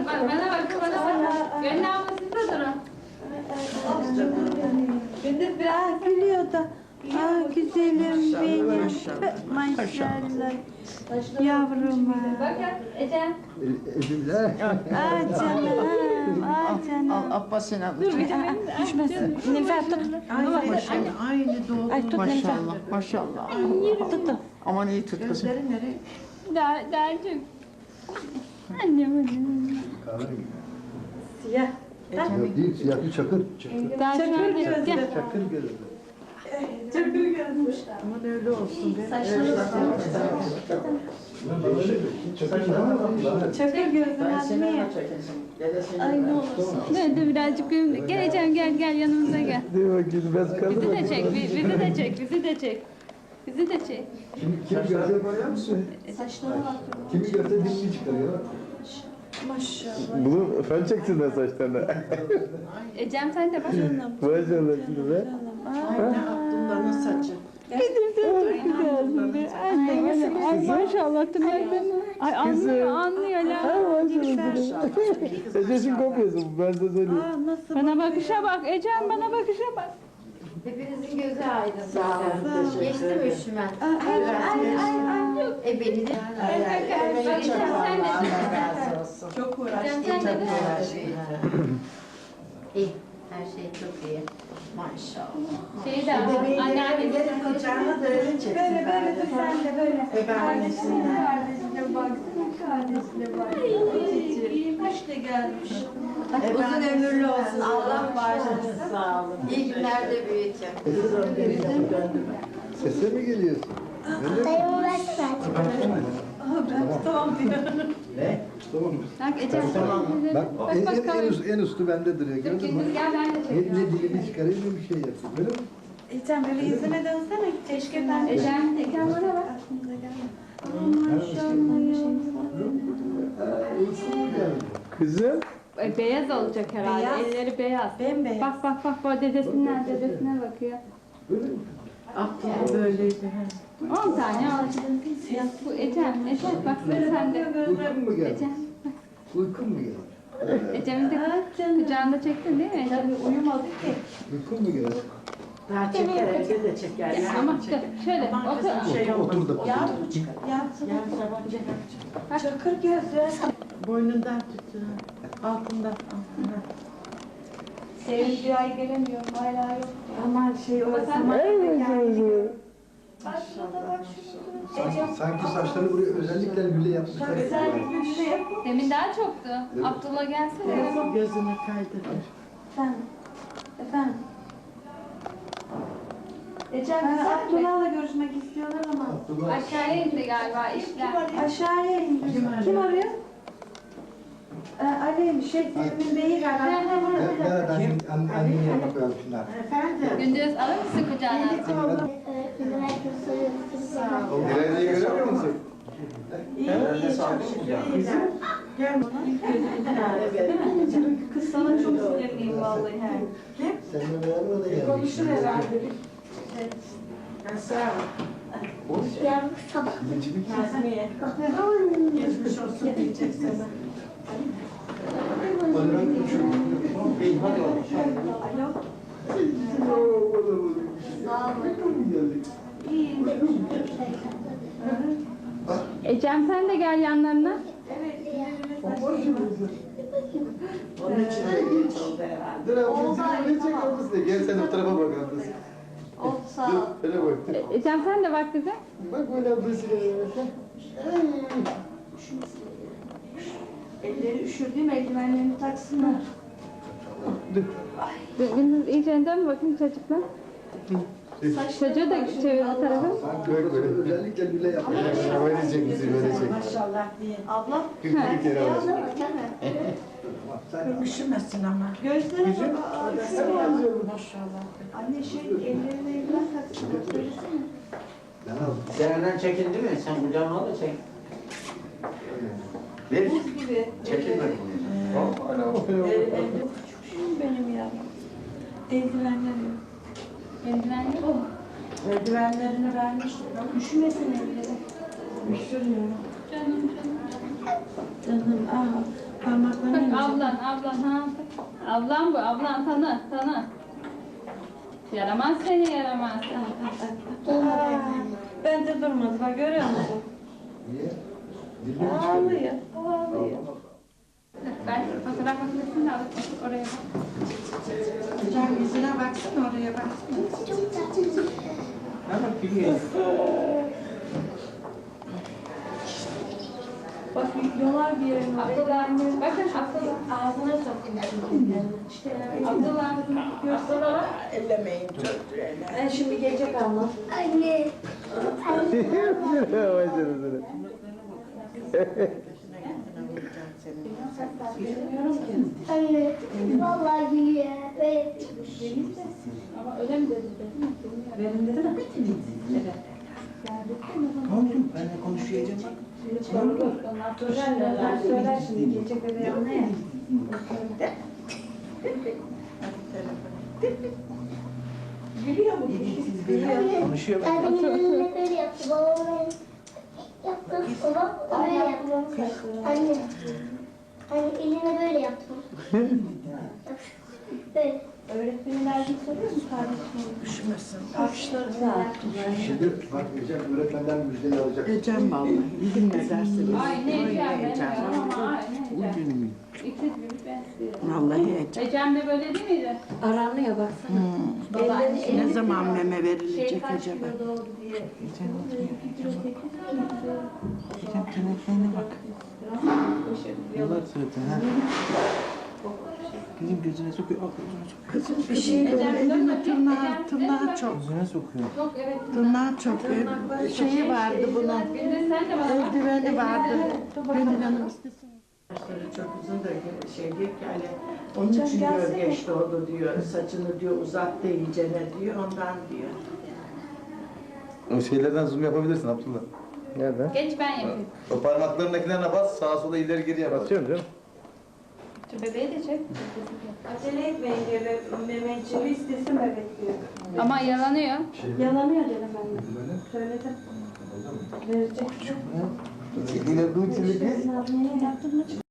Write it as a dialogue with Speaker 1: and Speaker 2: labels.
Speaker 1: Bana bak. Gönül abla siz de durun.
Speaker 2: Gündüz biraz gülüyor da. Güzelim benim. Maşallah. Yavruma.
Speaker 1: Bakın Ecem.
Speaker 3: Ezimler.
Speaker 2: Canım.
Speaker 4: Al Abbas'ın adı.
Speaker 2: Dur bir de düşmesin. Nefes tut.
Speaker 4: Aynı doğdu.
Speaker 2: Ay tut Nefes.
Speaker 4: Maşallah, maşallah.
Speaker 2: Tut tut.
Speaker 4: Aman iyi tut kızım.
Speaker 1: Dercim. Annem.
Speaker 2: Siyah.
Speaker 3: Yok değil, siyah bir çakır.
Speaker 1: Dercim
Speaker 2: gözlü.
Speaker 1: gel.
Speaker 3: Çakır gözü.
Speaker 2: Çakır gözmüş.
Speaker 4: Aman öyle olsun.
Speaker 2: Çakır gözlü. Ay ne olursun.
Speaker 1: Dur birazcık gülüm. Gel Ecem gel yanımıza gel.
Speaker 3: Dur bakayım, ben kaldım.
Speaker 1: Bizi de çek, bizi de çek, bizi de çek. Bizi de çek.
Speaker 3: Kimi görse böyle misin?
Speaker 2: Saçlarına bak.
Speaker 3: Kimi görse dilini çıkarıyor.
Speaker 2: Maşallah.
Speaker 5: Bunu fen çeksinler saçlarına.
Speaker 1: Ecem sen de bak.
Speaker 5: Maşallah şimdi be.
Speaker 4: Abdullah'ın saçı.
Speaker 1: Ay maşallah tırnaklarını. Ay anlıyor la.
Speaker 5: Eceş'in kopyası bu, ben size söyleyeyim.
Speaker 2: Nasıl?
Speaker 1: Bana bakışa bak Ecem, bana bakışa bak.
Speaker 6: Hepinizin gözü aydın. Sağ olun. Geçti mi üşümen? Beni de.
Speaker 2: Çok uğraştı.
Speaker 6: İyi. Her şey çok iyi. Maşallah.
Speaker 1: Şeyi de anneannesi.
Speaker 6: Kucağına da öyle çeksin.
Speaker 2: Böyle dur sen de böyle.
Speaker 6: Kardeşine.
Speaker 2: Kardeşine baksana kardeşine bak. İyi kaç da gelmiş.
Speaker 6: Uzun ömürlü olsun. Allah bağışlasın. Sağ olun. İyi günlerde büyüteceğim.
Speaker 3: Sese mi geliyorsun?
Speaker 7: Dayımı versene.
Speaker 2: Tamam diyor.
Speaker 3: Tamam.
Speaker 1: Bak Ecem.
Speaker 3: Bak
Speaker 1: Bak
Speaker 3: en üstü bende duruyor. Gördün mü?
Speaker 1: Gel ben de
Speaker 3: Ne
Speaker 1: çekeyim.
Speaker 3: dilini çıkarayım ne bir şey yapayım. Böyle mi?
Speaker 2: Ecem böyle yüzüne dönsene. Keşke ben de.
Speaker 1: Ecem bana bak.
Speaker 2: Aklımıza gelmedi.
Speaker 5: Kızım.
Speaker 1: Beyaz olacak herhalde.
Speaker 2: Beyaz.
Speaker 1: Elleri beyaz.
Speaker 2: Bembeyaz.
Speaker 1: Bak bu dedesine bakıyor.
Speaker 4: Abdullah böyleydi.
Speaker 1: 10 tane al. Bu Ecem bak sen de.
Speaker 3: Uykun mu geldi?
Speaker 1: Ecem.
Speaker 3: Uykun mu geldi?
Speaker 1: Ecem'i de kucağında çektin değil mi Ecem?
Speaker 2: Tabii uyumadı ki.
Speaker 3: Uykun mu geldi?
Speaker 4: Daha çeker, evde de çeker.
Speaker 1: Ya,
Speaker 4: Yani
Speaker 1: ama
Speaker 4: çeker.
Speaker 1: şöyle
Speaker 4: Aman kızım,
Speaker 1: otur.
Speaker 4: şey olmaz.
Speaker 3: Otur da.
Speaker 2: Yavru çıkar.
Speaker 4: Yarın sabah çeker.
Speaker 2: Çakır gözlü.
Speaker 4: Boynundan tut. Altından.
Speaker 2: Sevim bir ay gelemiyorum. Hala yok.
Speaker 4: Aman şey o zaman.
Speaker 2: Bak şurada bak şurada.
Speaker 3: Sanki saçları buraya özellikle lüle yapmışlar.
Speaker 2: Özellikle bir şey yap.
Speaker 1: Demin daha çoktu. Abdullah gelsene.
Speaker 4: Gözüne kaydırır.
Speaker 2: Efendim. Efendim. Ecem Abdullah'la görüşmek istiyorlar ama.
Speaker 1: Aşağıya indi galiba işler.
Speaker 2: Aşağıya indi. Kim arıyor? Ali Sevim'in beyi galiba.
Speaker 3: Ben anneye bakıyorum şimdi.
Speaker 4: Efendim.
Speaker 1: Gündüz alır mısın kucağına?
Speaker 7: Öğretmenim herkes soruyor.
Speaker 3: Direğini göremiyor musun?
Speaker 4: Gel.
Speaker 2: Kız sana çok sinirliyim vallahi.
Speaker 3: Seninle beraber o da geldi.
Speaker 2: Konuşur herhalde.
Speaker 4: Sağ ol.
Speaker 7: Yavrum sabah.
Speaker 2: Nazmiye.
Speaker 4: Geçmiş olsun diyeceksin.
Speaker 2: Alo.
Speaker 1: Ecem sen de gel yanlarına.
Speaker 4: Onun için de geç oldu herhalde.
Speaker 3: Dur abi, seni çek ablasına. Gel sen o tarafa bak ablası.
Speaker 2: Oldu sağ ol.
Speaker 3: Dur, öyle bak.
Speaker 1: Ecem sen de bak bize.
Speaker 3: Bak böyle ablası.
Speaker 2: Elleri üşürdüğüm eldivenlerini taksınlar.
Speaker 1: Gündüz iyice dön bakayım çocuklar. Çocuğu da çevir bu tarafa.
Speaker 3: Bak böyle özellikle lüle yapmışlar. Böyle çek bizi böyle çek.
Speaker 4: Maşallah diye.
Speaker 2: Abla.
Speaker 3: Bir kere var.
Speaker 4: Üşümesin ama.
Speaker 2: Gözlere bak.
Speaker 4: Maşallah.
Speaker 2: Anne ellerine eldiven taksınlar. Söylesene.
Speaker 3: Ben aldım.
Speaker 8: Sen önden çekildi mi? Sen kucağına al da çek. Ver.
Speaker 2: Buz gibi.
Speaker 8: Çekilme.
Speaker 2: Küçükşüm benim ya. Eldivenlerim.
Speaker 1: Eldiven yok.
Speaker 4: Eldivenlerini vermiştim.
Speaker 2: Üşümesin elleri.
Speaker 4: Üşürüyorum.
Speaker 1: Canım.
Speaker 2: Canım
Speaker 1: Bak ablan ha. Ablan bu, ablan tanı. Yaramaz seni yaramaz.
Speaker 2: Bence durmadı. Bak görüyor musun?
Speaker 3: Niye? Dilini
Speaker 2: Ağlıyor. Ağlıyor.
Speaker 1: Ben fotoğraf makinesini de alıp oraya bak.
Speaker 4: Hocam yüzüne baksana, oraya baksana.
Speaker 7: Çok tatlı.
Speaker 8: Ama gülüyor.
Speaker 2: Bak yolar bir yerine.
Speaker 1: Abdullah, bakın Abdullah.
Speaker 2: Ağzına sokun.
Speaker 1: Abdullah.
Speaker 4: Ellemeyin çocuğu ele.
Speaker 2: Şimdi gelecek abla.
Speaker 7: Anne. Anne. Vallahi gülüyor. Evet.
Speaker 1: Ama öyle mi dedi?
Speaker 2: Benim dedi mi?
Speaker 4: Oğlum benimle konuşuyacağım bak.
Speaker 2: Söyler şimdi gelecek bebeği anne. Gülüyor bu kişi. Gülüyor.
Speaker 4: Konuşuyor bak.
Speaker 7: Annemin önüne böyle yaptı. Babam yaptı. Babam böyle yaptı. Anne. Anne eline böyle yaptı. Böyle.
Speaker 2: Öğretmenin derdini soruyor mu kardeşim?
Speaker 4: Üşümesin.
Speaker 2: Alkışları sağ.
Speaker 3: Şimdi bak Ecem öğretmenden müjdeyi alacak.
Speaker 4: Ecem vallahi. Bugün ne dersiniz?
Speaker 1: Ay ne Ecem benim
Speaker 4: Ecem.
Speaker 1: yaram ama ay ne Ecem. İkiz gibi ben istiyorum.
Speaker 4: Vallahi Ecem.
Speaker 1: Ecem de böyle değil miydi?
Speaker 2: Aranıyor baksana.
Speaker 4: Ne zaman meme verilecek
Speaker 2: Şey kaç
Speaker 4: acaba?
Speaker 2: kilo doğdu diye.
Speaker 4: Ecem telefonuna bak.
Speaker 5: Yıllar zaten ha. Kızım gözüne sokuyor. Al gözüne sokuyor.
Speaker 4: Kızım bir şey böyle tırnağı çok.
Speaker 5: Gözüne sokuyor.
Speaker 1: Yok evet.
Speaker 4: Tırnağı çok. Şeyi vardı bunun.
Speaker 1: Bir de sen de bana bak.
Speaker 4: Eldiveni vardı. Benim canım istesin. Saçları çok uzun da şey diyor ki hani onun için diyor geç doğdu diyor. Saçını diyor uzattı iyicene diyor. Ondan diyor.
Speaker 3: O şeylerden zoom yapabilirsin Abdullah.
Speaker 5: Nereden?
Speaker 1: Geç ben yapayım.
Speaker 3: O parmaklarındakilerine bas, sağa sola ileri geri yap.
Speaker 5: Basıyorum canım.
Speaker 1: Şu bebeği de çek.
Speaker 2: Acele etmeyin diyor. Mehmetciğim istesin bebek diyor.
Speaker 1: Ama yalanıyor.
Speaker 2: Yalanıyor dedim ben de. Söyledim. Verecek.
Speaker 3: İleri dur, ileri git.
Speaker 2: Yaptın mı?